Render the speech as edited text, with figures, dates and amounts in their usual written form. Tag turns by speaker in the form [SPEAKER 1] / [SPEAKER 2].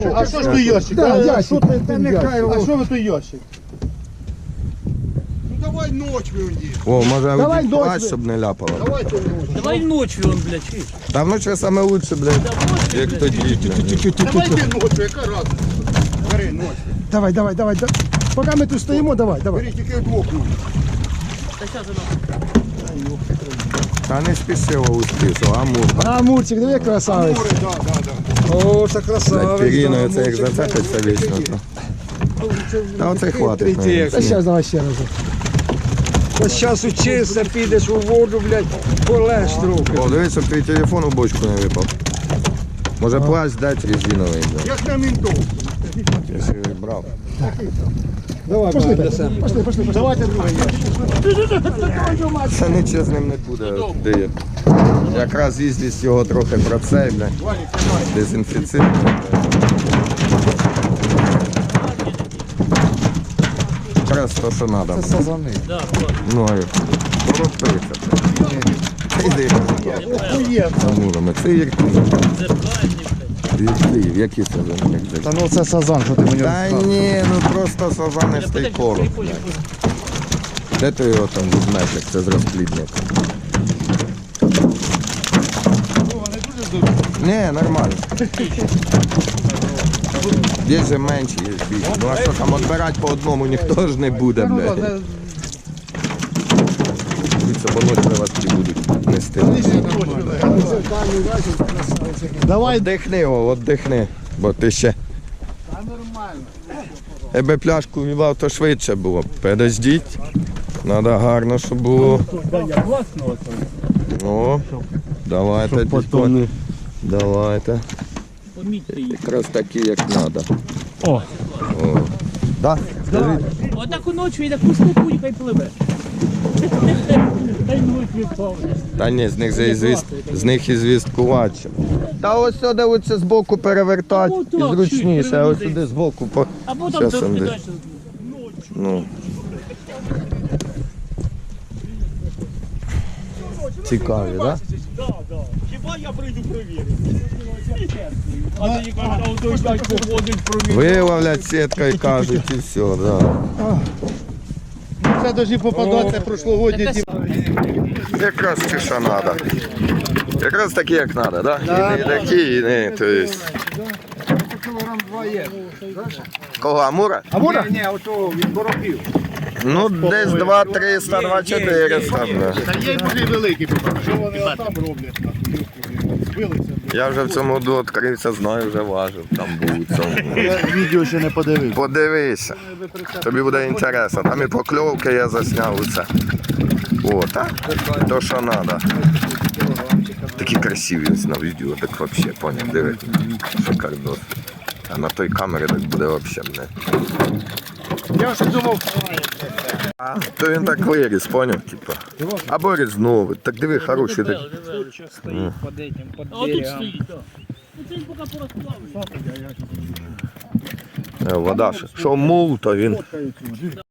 [SPEAKER 1] А що ж той ящик?
[SPEAKER 2] Да,
[SPEAKER 1] А
[SPEAKER 2] ящик.
[SPEAKER 1] що ти-
[SPEAKER 2] Та нехай
[SPEAKER 1] А що ви той ящик?
[SPEAKER 3] Ну давай ночь виходи.
[SPEAKER 4] О, може
[SPEAKER 2] Давай
[SPEAKER 4] один
[SPEAKER 2] дощ
[SPEAKER 4] плащ,
[SPEAKER 2] ви-
[SPEAKER 4] щоб не ляпало.
[SPEAKER 3] Давайте ночь.
[SPEAKER 5] Давай ночью он, блядь, чуєш?
[SPEAKER 4] Та вночі саме лучше, блядь, як тоді.
[SPEAKER 3] Давайте ночь, яка разниця? Бери ночь.
[SPEAKER 2] Давай. Поки ми тут стоїмо, давай.
[SPEAKER 3] Бери тільки вдвох ночь.
[SPEAKER 5] Та щас воно.
[SPEAKER 4] Та не спішило успішно, а мур.
[SPEAKER 2] А, Мурчик, диви, красавець.
[SPEAKER 3] Море, да.
[SPEAKER 2] О, це
[SPEAKER 4] Блядь,
[SPEAKER 2] красавець.
[SPEAKER 4] Піріною це як зацепиться вічно. Та оце хватить. наверное.
[SPEAKER 2] Та зараз давай ще раз.
[SPEAKER 6] Ось зараз учишся, підеш у воду, блядь, полеж трохи.
[SPEAKER 4] О, дивись, щоб твій телефон у бочку не випав. Може плащ дати резиновий, блядь,
[SPEAKER 3] Як на ментов.
[SPEAKER 4] якщо я брав.
[SPEAKER 6] Давай,
[SPEAKER 2] Пошли,
[SPEAKER 6] несемо.
[SPEAKER 2] пошли.
[SPEAKER 1] Давайте другий ящик.
[SPEAKER 4] Це нічого з ним не буде. Де? Якраз їздість його трохи процей, блядь. Дезінфіцит. Якраз то, що треба.
[SPEAKER 6] Це сазани.
[SPEAKER 5] Да, хватит.
[SPEAKER 4] Мною. Торопиться. Іди. Амурами. Це ірки.
[SPEAKER 5] Зеркальні, блядь.
[SPEAKER 4] Ірки. Які це за них?
[SPEAKER 6] Та ну це сазан, що ти мені
[SPEAKER 4] Та ні, ну просто сазанистий короб. Де ти його там візьмеш, як це з розплідника? Ні, нормально. Є же менші, є більші. Ну а що там, відбирати по одному ніхто ж не буде, блядь. Дивіться, бо ночі вас ті будуть нести.
[SPEAKER 1] Давай.
[SPEAKER 4] Отдихни його, віддихни, бо ти ще... Якби пляшку вівав, то швидше було. Подождіть. Треба гарно, щоб було. О, давайте, дядько. Давайте.
[SPEAKER 5] Помітьте їх.
[SPEAKER 4] Якраз такі, як треба.
[SPEAKER 1] О.
[SPEAKER 4] Да? Скажіть.
[SPEAKER 5] Отаку ночі і таку штуку, і хай пливе. Хай ночі відпав.
[SPEAKER 4] Та ні, з них і звісткувати. Та ось сюди оце збоку перевертати.
[SPEAKER 5] Ну,
[SPEAKER 4] І
[SPEAKER 5] так,
[SPEAKER 4] зручніше,
[SPEAKER 5] чуть,
[SPEAKER 4] а ось
[SPEAKER 5] переверни.
[SPEAKER 4] сюди збоку. По...
[SPEAKER 5] Або там
[SPEAKER 4] Щас
[SPEAKER 5] трошки
[SPEAKER 4] он
[SPEAKER 5] далі.
[SPEAKER 4] Ну. Цікаві, так?
[SPEAKER 5] Хіба я прийду перевірити? А тоді кажуть, а той дядь походить провірити.
[SPEAKER 4] Виловлять сіткою, кажуть, і все, да.
[SPEAKER 1] Це повинні попадати прошлогодні ті.
[SPEAKER 4] Якраз ті, що треба. Якраз такі, як треба, так? Да? І не такі, і не, то есть.
[SPEAKER 6] Кілограм 2 є.
[SPEAKER 4] Кого, Амура?
[SPEAKER 6] Амура? Ні, ото від коропів.
[SPEAKER 4] Ну, десь 2 300, 2 400. Да.
[SPEAKER 1] Та є й дуже великі, що вони там роблять. Збилися.
[SPEAKER 4] Я вже в цьому году відкрився, знаю, вже важив, там був у цьому.
[SPEAKER 1] Я відео ще не подивився.
[SPEAKER 4] Подивися, тобі буде інтересно. Там і покльовки я засняв усе. О, так? То, що треба. Такі красиві ось на відео, так взагалі, поняв, диви. Шикардос. А на той камері так буде взагалі, не.
[SPEAKER 1] Я вже думав,
[SPEAKER 4] То він так виріс, поняв, типа. Або різнув. Так диви, хороший. Так.
[SPEAKER 6] Стоїть під этим, під
[SPEAKER 5] А отут
[SPEAKER 6] берегом.
[SPEAKER 5] стоїть, так. Ну це він поки порозплавить.
[SPEAKER 4] Вода, що мул, то він